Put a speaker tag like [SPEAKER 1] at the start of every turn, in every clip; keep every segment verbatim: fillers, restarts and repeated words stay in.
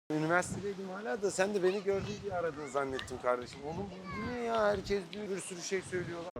[SPEAKER 1] Üniversitedeydim hala da sen de beni gördün diye aradın zannettim kardeşim. Oğlum bu ne ya? Herkes diyor, bir sürü şey söylüyorlar.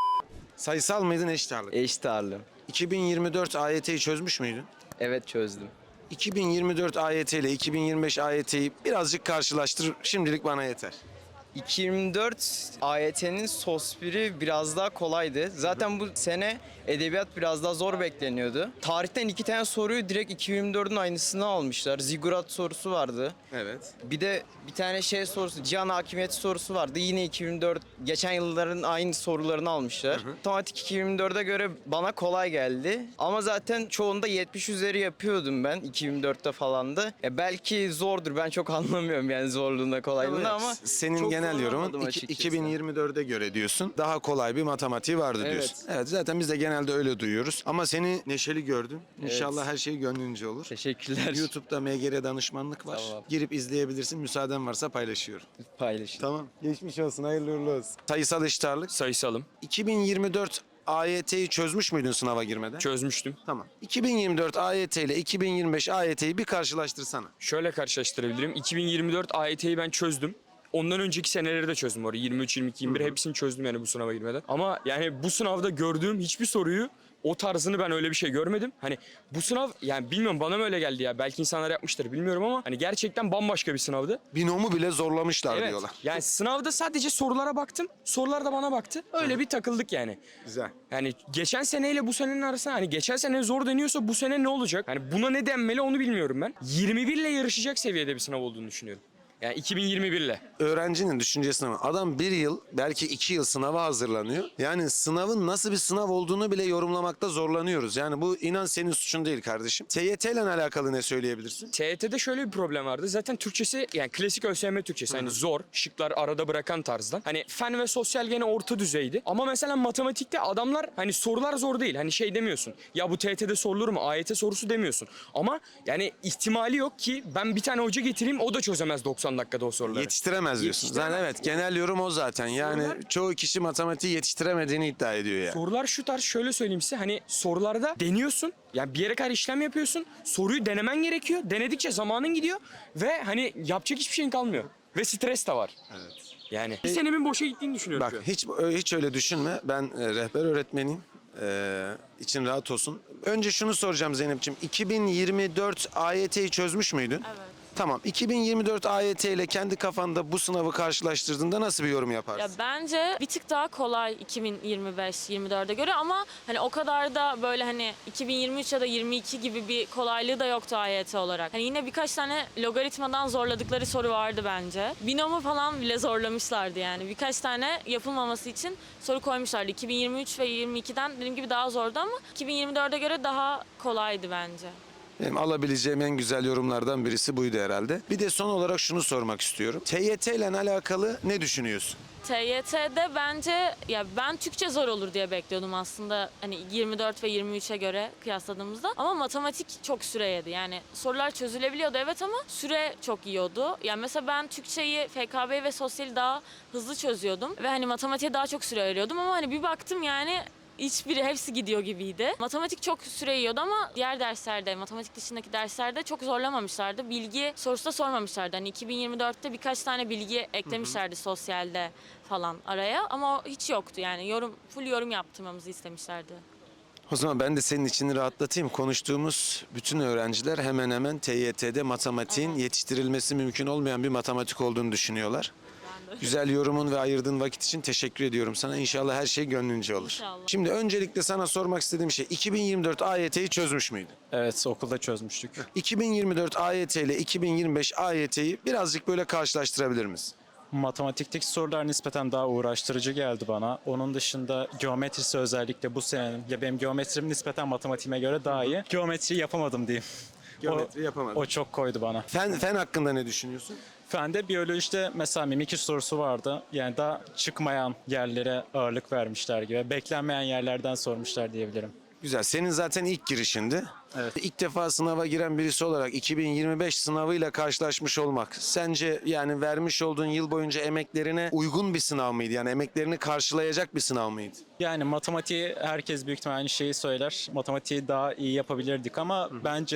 [SPEAKER 1] Sayısal mıydın, eşit ağırlık?
[SPEAKER 2] Eşit ağırlığı.
[SPEAKER 1] iki bin yirmi dört A Y T'yi çözmüş müydün?
[SPEAKER 2] Evet, çözdüm.
[SPEAKER 1] iki bin yirmi dört A Y T ile iki bin yirmi beş A Y T'yi birazcık karşılaştır. Şimdilik bana yeter.
[SPEAKER 2] iki bin yirmi dört A Y T'nin sos biri biraz daha kolaydı. Zaten bu sene edebiyat biraz daha zor bekleniyordu. Tarihten iki tane soruyu direkt iki bin yirmi dördün aynısını almışlar. Zigurat sorusu vardı.
[SPEAKER 1] Evet.
[SPEAKER 2] Bir de bir tane şey sorusu, cihan hakimiyeti sorusu vardı. Yine iki bin yirmi dört, geçen yılların aynı sorularını almışlar.
[SPEAKER 1] Hı hı.
[SPEAKER 2] Otomatik iki bin yirmi dörde göre bana kolay geldi. Ama zaten çoğunda yetmiş üzeri yapıyordum ben iki bin yirmi dörtte falan da. Ya belki zordur, ben çok anlamıyorum yani zorluğunda kolaylığında
[SPEAKER 1] Evet.
[SPEAKER 2] ama
[SPEAKER 1] Senin
[SPEAKER 2] çok
[SPEAKER 1] genel yorumun
[SPEAKER 2] zorlamadım
[SPEAKER 1] iki-
[SPEAKER 2] açıkçası.
[SPEAKER 1] iki bin yirmi dörde göre diyorsun. Daha kolay bir matematiği vardı
[SPEAKER 2] Evet.
[SPEAKER 1] diyorsun. Evet, zaten biz de genelde öyle duyuyoruz. Ama seni neşeli gördüm. İnşallah
[SPEAKER 2] Evet.
[SPEAKER 1] her şey gönlünce olur.
[SPEAKER 2] Teşekkürler.
[SPEAKER 1] YouTube'da M G R danışmanlık var.
[SPEAKER 2] Tamam.
[SPEAKER 1] Girip izleyebilirsin. Müsaaden varsa paylaşıyorum.
[SPEAKER 2] Paylaşın.
[SPEAKER 1] Tamam. Geçmiş olsun. Hayırlı uğurlu olsun. Sayısal eşit ağırlık.
[SPEAKER 3] Sayısalım.
[SPEAKER 1] iki bin yirmi dört A Y T'yi çözmüş müydün sınava girmeden?
[SPEAKER 3] Çözmüştüm.
[SPEAKER 1] Tamam. iki bin yirmi dört A Y T ile iki bin yirmi beş A Y T'yi bir karşılaştırsana.
[SPEAKER 3] Şöyle karşılaştırabilirim. iki bin yirmi dört A Y T'yi ben çözdüm. Ondan önceki seneleri de çözdüm orayı. yirmi üç, yirmi iki, yirmi bir hepsini çözdüm yani bu sınava girmeden. Ama yani bu sınavda gördüğüm hiçbir soruyu o tarzını ben öyle bir şey görmedim. Hani bu sınav yani bilmiyorum bana mı öyle geldi ya. Belki insanlar yapmıştır bilmiyorum ama hani gerçekten bambaşka bir sınavdı.
[SPEAKER 1] Binomu bile zorlamışlar
[SPEAKER 3] Evet.
[SPEAKER 1] diyorlar.
[SPEAKER 3] Yani sınavda sadece sorulara baktım. Sorular da bana baktı. Öyle bir takıldık yani.
[SPEAKER 1] Güzel.
[SPEAKER 3] Yani geçen seneyle bu senenin arasında hani geçen sene zor deniyorsa bu sene ne olacak? Hani buna ne denmeli onu bilmiyorum ben. yirmi bir ile yarışacak seviyede bir sınav olduğunu düşünüyorum. Yani iki bin yirmi bir ile.
[SPEAKER 1] Öğrencinin düşüncesine bak. Adam bir yıl belki iki yıl sınava hazırlanıyor. Yani sınavın nasıl bir sınav olduğunu bile yorumlamakta zorlanıyoruz. Yani bu inan senin suçun değil kardeşim. T Y T ile alakalı ne söyleyebilirsin?
[SPEAKER 3] T Y T'de şöyle bir problem vardı. Zaten Türkçesi yani klasik ÖSYM Türkçesi. Hani zor, şıklar arada bırakan tarzdan. Hani fen ve sosyal gene orta düzeydi. Ama mesela matematikte adamlar hani sorular zor değil. Hani şey demiyorsun. Ya bu T Y T'de sorulur mu? A Y T sorusu demiyorsun. Ama yani ihtimali yok ki ben bir tane hoca getireyim o da çözemez doksan dakikada o soruları.
[SPEAKER 1] Yetiştiremez diyorsun.
[SPEAKER 3] Yetiştiremez.
[SPEAKER 1] Zaten evet, genel yorum o zaten. Yani
[SPEAKER 3] Sorular-
[SPEAKER 1] çoğu kişi matematiği yetiştiremediğini iddia ediyor ya.
[SPEAKER 3] Sorular şu tarz, şöyle söyleyeyim size, hani sorularda deniyorsun yani bir yere kadar işlem yapıyorsun, soruyu denemen gerekiyor, denedikçe zamanın gidiyor ve hani yapacak hiçbir şeyin kalmıyor ve stres de var.
[SPEAKER 1] Evet.
[SPEAKER 3] Yani bir senemin boşa gittiğini düşünüyorum
[SPEAKER 1] Bak
[SPEAKER 3] şu an.
[SPEAKER 1] hiç hiç öyle düşünme. Ben e, rehber öğretmeniyim. Ee, için rahat olsun. Önce şunu soracağım Zeynep'ciğim. iki bin yirmi dört A Y T'yi çözmüş müydün?
[SPEAKER 4] Evet.
[SPEAKER 1] Tamam. iki bin yirmi dört A Y T ile kendi kafanda bu sınavı karşılaştırdığında nasıl bir yorum
[SPEAKER 4] Ya
[SPEAKER 1] yaparsın?
[SPEAKER 4] bence bir tık daha kolay iki bin yirmi beş yirmi dörde göre ama hani o kadar da böyle hani iki bin yirmi üç ya da yirmi iki gibi bir kolaylığı da yoktu A Y T olarak. Hani yine birkaç tane logaritmadan zorladıkları soru vardı bence. Binomu falan bile zorlamışlardı yani. Birkaç tane yapılmaması için soru koymuşlardı. iki bin yirmi üç ve yirmi ikiden dediğim gibi daha zordu ama iki bin yirmi dörde göre daha kolaydı bence.
[SPEAKER 1] Benim alabileceğim en güzel yorumlardan birisi buydu herhalde. Bir de son olarak şunu sormak istiyorum. T Y T ile alakalı ne düşünüyorsun?
[SPEAKER 4] T Y T'de bence ya ben Türkçe zor olur diye bekliyordum aslında hani yirmi dört ve yirmi üçe göre kıyasladığımızda ama matematik çok süre yedi. Yani sorular çözülebiliyordu evet ama süre çok yiyordu. Yani mesela ben Türkçeyi, F K B'yi ve sosyali daha hızlı çözüyordum ve hani matematiğe daha çok süre ayırıyordum ama hani bir baktım yani hiçbiri, hepsi gidiyor gibiydi. Matematik çok süre yiyordu ama diğer derslerde, matematik dışındaki derslerde çok zorlamamışlardı. Bilgi sorusu da sormamışlardı. Hani iki bin yirmi dörtte birkaç tane bilgi eklemişlerdi sosyalde falan araya ama o hiç yoktu yani. Yorum, full yorum yaptırmamızı istemişlerdi.
[SPEAKER 1] O zaman ben de senin içini rahatlatayım. Konuştuğumuz bütün öğrenciler hemen hemen T Y T'de matematiğin
[SPEAKER 4] Evet.
[SPEAKER 1] yetiştirilmesi mümkün olmayan bir matematik olduğunu düşünüyorlar.
[SPEAKER 4] Ben de.
[SPEAKER 1] Güzel yorumun ve ayırdığın vakit için teşekkür ediyorum sana. İnşallah her şey gönlünce olur.
[SPEAKER 4] İnşallah.
[SPEAKER 1] Şimdi öncelikle sana sormak istediğim şey, iki bin yirmi dört A Y T'yi çözmüş müydün?
[SPEAKER 5] Evet, okulda çözmüştük.
[SPEAKER 1] iki bin yirmi dört A Y T ile iki bin yirmi beş A Y T'yi birazcık böyle karşılaştırabilir misin?
[SPEAKER 5] Matematikteki sorular nispeten daha uğraştırıcı geldi bana. Onun dışında geometrisi özellikle bu senenin, ya benim geometrim nispeten matematiğime göre daha iyi. Geometri yapamadım diyeyim.
[SPEAKER 1] Geometri
[SPEAKER 5] o,
[SPEAKER 1] yapamadın.
[SPEAKER 5] O çok koydu bana.
[SPEAKER 1] Fen, fen hakkında ne düşünüyorsun?
[SPEAKER 5] Fende biyolojide mesela mimikri sorusu vardı. Yani daha çıkmayan yerlere ağırlık vermişler gibi. Beklenmeyen yerlerden sormuşlar diyebilirim.
[SPEAKER 1] Güzel. Senin zaten ilk girişindi.
[SPEAKER 5] Evet.
[SPEAKER 1] İlk defa sınava giren birisi olarak iki bin yirmi beş sınavıyla karşılaşmış olmak sence yani vermiş olduğun yıl boyunca emeklerine uygun bir sınav mıydı? Yani emeklerini karşılayacak bir sınav mıydı?
[SPEAKER 5] Yani matematiği herkes büyük ihtimalle aynı şeyi söyler. Matematiği daha iyi yapabilirdik ama bence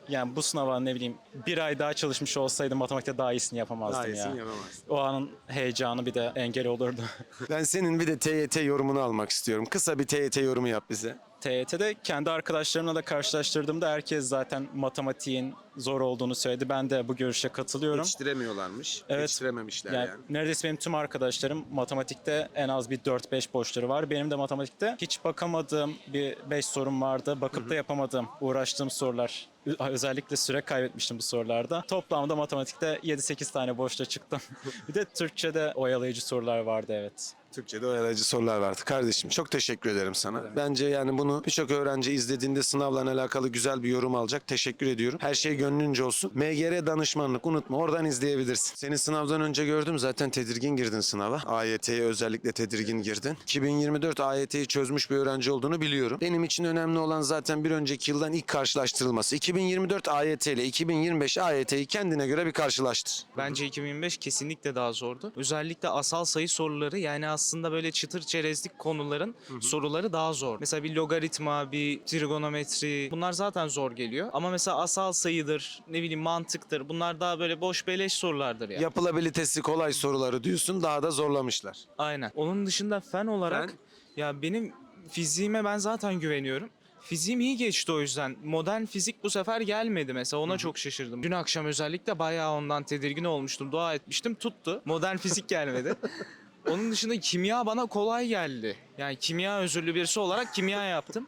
[SPEAKER 5] Yani bu sınava ne bileyim bir ay daha çalışmış olsaydım matematikte daha iyisini yapamazdım
[SPEAKER 1] Daha iyisini
[SPEAKER 5] ya.
[SPEAKER 1] yapamazsın.
[SPEAKER 5] O anın heyecanı bir de engel olurdu.
[SPEAKER 1] Ben senin bir de T Y T yorumunu almak istiyorum. Kısa bir T Y T yorumu yap bize.
[SPEAKER 5] T Y T'de kendi arkadaşlarımla da karşılaştırdığımda herkes zaten matematiğin zor olduğunu söyledi. Ben de bu görüşe katılıyorum.
[SPEAKER 1] Yetiştiremiyorlarmış.
[SPEAKER 5] Evet.
[SPEAKER 1] Yetiştirememişler
[SPEAKER 5] Yani,
[SPEAKER 1] yani.
[SPEAKER 5] neredeyse benim tüm arkadaşlarım matematikte en az bir dört beş borçları var. Benim de matematikte hiç bakamadığım bir beş sorum vardı. Bakıp da yapamadığım, uğraştığım sorular. Ö- Özellikle süre kaybetmiştim bu sorularda. Toplamda matematikte yedi sekiz tane boşta çıktım. Bir de Türkçe'de oyalayıcı sorular vardı, evet.
[SPEAKER 1] Türkçe'de oyalayıcı sorular vardı. Kardeşim çok teşekkür ederim sana. Bence yani bunu birçok öğrenci izlediğinde sınavla alakalı güzel bir yorum alacak. Teşekkür ediyorum. Her şey gönlünce olsun. M G R danışmanlık unutma, oradan izleyebilirsin. Seni sınavdan önce gördüm, zaten tedirgin girdin sınava. A Y T'ye özellikle tedirgin girdin. iki bin yirmi dört A Y T'yi çözmüş bir öğrenci olduğunu biliyorum. Benim için önemli olan zaten bir önceki yıldan ilk karşılaştırılması. iki bin yirmi dört A Y T ile iki bin yirmi beş A Y T'yi kendine göre bir karşılaştır.
[SPEAKER 6] Bence iki bin yirmi beş kesinlikle daha zordu. Özellikle asal sayı soruları, yani aslında böyle çıtır çerezlik konuların soruları daha zor. Mesela bir logaritma, bir trigonometri, bunlar zaten zor geliyor. Ama mesela asal sayıdır, ne bileyim mantıktır, bunlar daha böyle boş beleş sorulardır ya.
[SPEAKER 1] Yapılabilitesi kolay soruları diyorsun, daha da zorlamışlar.
[SPEAKER 6] Aynen. Onun dışında fen olarak
[SPEAKER 1] Fen?
[SPEAKER 6] ya benim fiziğime ben zaten güveniyorum. Fiziğim iyi geçti o yüzden. Modern fizik bu sefer gelmedi mesela, ona çok şaşırdım. Dün akşam özellikle bayağı ondan tedirgin olmuştum. Dua etmiştim, tuttu. Modern fizik gelmedi. Onun dışında kimya bana kolay geldi. Yani kimya özürlü birisi olarak kimya yaptım.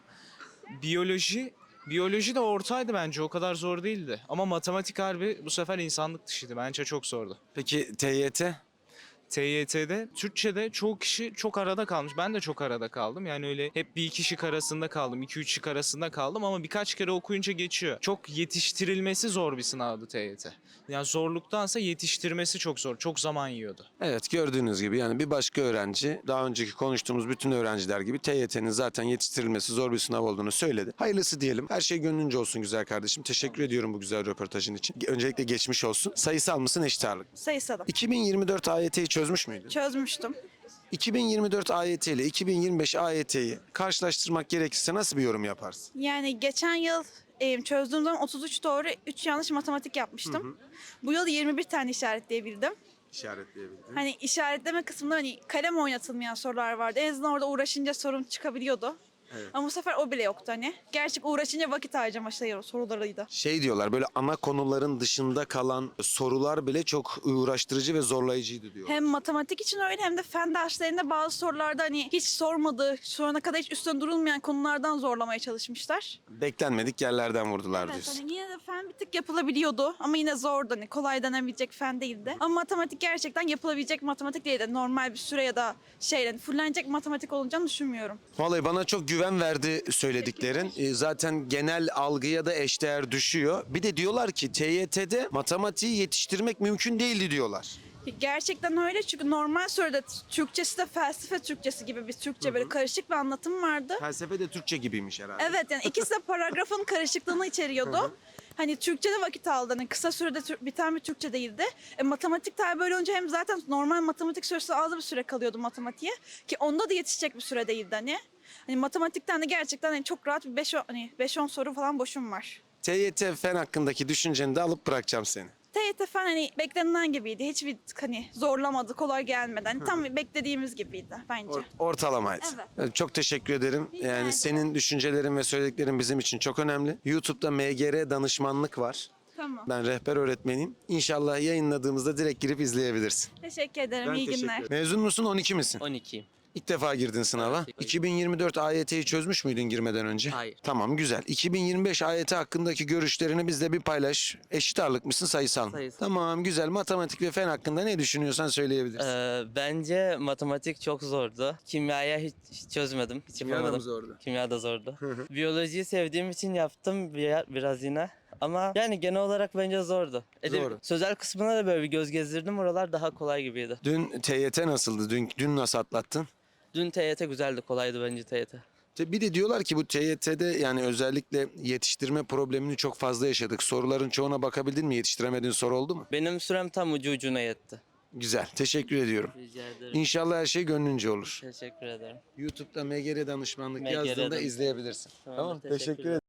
[SPEAKER 6] Biyoloji, biyoloji de ortaydı bence, o kadar zor değildi. Ama matematik harbi bu sefer insanlık dışıydı. Bence çok zordu.
[SPEAKER 1] Peki T Y T?
[SPEAKER 6] T Y T'de, Türkçe'de çoğu kişi çok arada kalmış. Ben de çok arada kaldım. Yani öyle hep bir iki şık arasında kaldım. iki üç şık arasında kaldım ama birkaç kere okuyunca geçiyor. Çok yetiştirilmesi zor bir sınavdı T Y T. Yani zorluktansa yetiştirmesi çok zor. Çok zaman yiyordu.
[SPEAKER 1] Evet, gördüğünüz gibi yani bir başka öğrenci daha önceki konuştuğumuz bütün öğrenciler gibi T Y T'nin zaten yetiştirilmesi zor bir sınav olduğunu söyledi. Hayırlısı diyelim. Her şey gönlünce olsun güzel kardeşim. Teşekkür ediyorum bu güzel röportajın için. Öncelikle geçmiş olsun. Sayısal mısın, eşit ağırlık mı?
[SPEAKER 7] Sayısalım.
[SPEAKER 1] iki bin yirmi dört A Y T'yi çözmüş müydün?
[SPEAKER 7] Çözmüştüm.
[SPEAKER 1] iki bin yirmi dört A Y T ile iki bin yirmi beş A Y T'yi karşılaştırmak gerekirse nasıl bir yorum yaparsın?
[SPEAKER 7] Yani geçen yıl e, çözdüğüm zaman otuz üç doğru, üç yanlış matematik yapmıştım. Bu yıl yirmi bir tane işaretleyebildim.
[SPEAKER 1] İşaretleyebildim.
[SPEAKER 7] Hani işaretleme kısmında hani kalem oynatılmayan sorular vardı. En azından orada uğraşınca sorun çıkabiliyordu.
[SPEAKER 1] Evet.
[SPEAKER 7] Ama bu sefer o bile yoktu hani. Gerçek uğraşınca vakit harcama şey sorularıydı.
[SPEAKER 1] Şey diyorlar, böyle ana konuların dışında kalan sorular bile çok uğraştırıcı ve zorlayıcıydı diyor.
[SPEAKER 7] Hem matematik için öyle hem de fen derslerinde bazı sorularda hani hiç sormadığı, şu ana kadar hiç üstüne durulmayan konulardan zorlamaya çalışmışlar.
[SPEAKER 1] Beklenmedik yerlerden vurdular
[SPEAKER 7] Evet,
[SPEAKER 1] diyorsun.
[SPEAKER 7] hani yine de fen bir tık yapılabiliyordu ama yine zordu, hani kolay denebilecek fen değildi. Ama matematik gerçekten yapılabilecek matematik değildi. Normal bir süre ya da şeyden fullenecek matematik olacağını düşünmüyorum.
[SPEAKER 1] Vallahi bana çok güven verdi söylediklerin. Ee, Zaten genel algıya da eşdeğer düşüyor. Bir de diyorlar ki T Y T'de matematiği yetiştirmek mümkün değildi diyorlar.
[SPEAKER 7] Gerçekten öyle, çünkü normal sürede Türkçesi de felsefe Türkçesi gibi bir Türkçe böyle karışık bir anlatım vardı.
[SPEAKER 1] Felsefe de Türkçe gibiymiş herhalde.
[SPEAKER 7] Evet, yani ikisi de paragrafın karışıklığını içeriyordu. Hani Türkçe'de vakit aldı. Hani kısa sürede tür- biten bir Türkçe değildi. E, matematik tabi böyle olunca hem zaten normal matematik süresi az bir süre kalıyordu matematiğe. Ki onda da yetişecek bir süre değildi hani. Hani matematikten de gerçekten hani çok rahat bir beş on hani beş on soru falan boşum var.
[SPEAKER 1] T Y T fen hakkındaki düşünceni de alıp bırakacağım seni.
[SPEAKER 7] T Y T fen hani beklenilen gibiydi. Hiçbir hani zorlamadı, kolay gelmedi. Hani tam beklediğimiz gibiydi bence.
[SPEAKER 1] Or- ortalamaydı.
[SPEAKER 7] Evet.
[SPEAKER 1] Evet, çok teşekkür ederim.
[SPEAKER 7] Rica
[SPEAKER 1] Yani
[SPEAKER 7] ederim.
[SPEAKER 1] senin düşüncelerin ve söylediklerin bizim için çok önemli. YouTube'da M G R danışmanlık var.
[SPEAKER 7] Tamam.
[SPEAKER 1] Ben rehber öğretmeniyim. İnşallah yayınladığımızda direkt girip izleyebilirsin.
[SPEAKER 7] Teşekkür ederim. İyi günler.
[SPEAKER 1] Mezun musun, on iki misin?
[SPEAKER 8] on ikiyim.
[SPEAKER 1] İlk defa girdin sınava. iki bin yirmi dört A Y T'yi çözmüş müydün girmeden önce?
[SPEAKER 8] Hayır.
[SPEAKER 1] Tamam, güzel. iki bin yirmi beş A Y T hakkındaki görüşlerini bizle bir paylaş. Eşit ağırlık mısın, sayısal mı?
[SPEAKER 8] Sayısal.
[SPEAKER 1] Tamam, güzel. Matematik ve fen hakkında ne düşünüyorsan söyleyebilirsin.
[SPEAKER 8] Ee, bence matematik çok zordu. Kimyaya hiç, hiç çözmedim. Hiç
[SPEAKER 1] Kimya da mı
[SPEAKER 8] yapamadım.
[SPEAKER 1] zordu?
[SPEAKER 8] Kimya da zordu. Biyolojiyi sevdiğim için yaptım bir- biraz yine. Ama yani genel olarak bence zordu. Edeb-
[SPEAKER 1] Zordu.
[SPEAKER 8] Sözel kısmına da böyle bir göz gezdirdim. Oralar daha kolay gibiydi.
[SPEAKER 1] Dün T Y T nasıldı? Dün, dün nasıl atlattın?
[SPEAKER 8] Dün T Y T güzeldi. Kolaydı bence T Y T.
[SPEAKER 1] Te- Bir de diyorlar ki bu T Y T'de yani özellikle yetiştirme problemini çok fazla yaşadık. Soruların çoğuna bakabildin mi? Yetiştiremediğin soru oldu mu?
[SPEAKER 8] Benim sürem tam ucu ucuna yetti.
[SPEAKER 1] Güzel. Teşekkür ediyorum.
[SPEAKER 8] Rica ederim.
[SPEAKER 1] İnşallah her şey gönlünce olur.
[SPEAKER 8] Teşekkür ederim.
[SPEAKER 1] YouTube'da M G R danışmanlık
[SPEAKER 8] M G R
[SPEAKER 1] yazdığında
[SPEAKER 8] dan-
[SPEAKER 1] izleyebilirsin.
[SPEAKER 8] Tamam,
[SPEAKER 1] Tamam.
[SPEAKER 8] teşekkür
[SPEAKER 1] Teşekkür
[SPEAKER 8] ederim.
[SPEAKER 1] ederim.